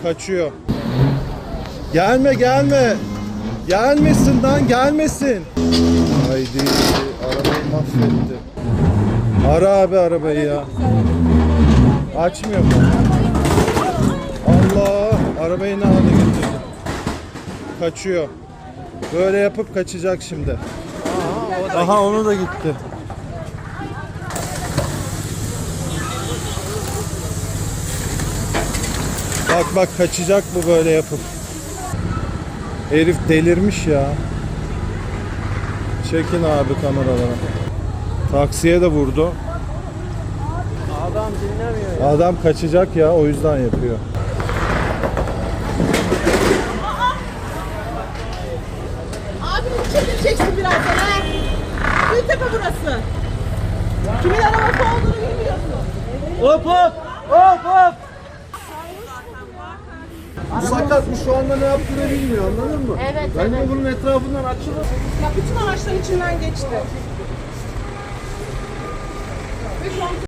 Kaçıyor. Gelme gelme. Gelmesin lan, gelmesin. Haydi, arabayı mahvetti. Ara abi arabayı ya. Açmıyor mu? Allah, arabayı ne hale getirdi. Kaçıyor. Böyle yapıp kaçacak şimdi. Aha, onu da gitti. Bak bak, kaçacak bu böyle yapıp. Herif delirmiş ya. Çekin abi kameralara. Taksiye de vurdu. Adam dinlemiyor ya. Adam kaçacak ya, o yüzden yapıyor. Abi çekileceksin birazdan ha. Gültepe burası. Kimin arabası olduğunu bilmiyorsun. Hop hop! Hop hop! Bu sakatmış, şu anda ne yaptığını bilmiyor, anladın mı? Evet, Ben evet. de bunun etrafından açılır. Ya bütün araçların içinden geçti. Ve şu an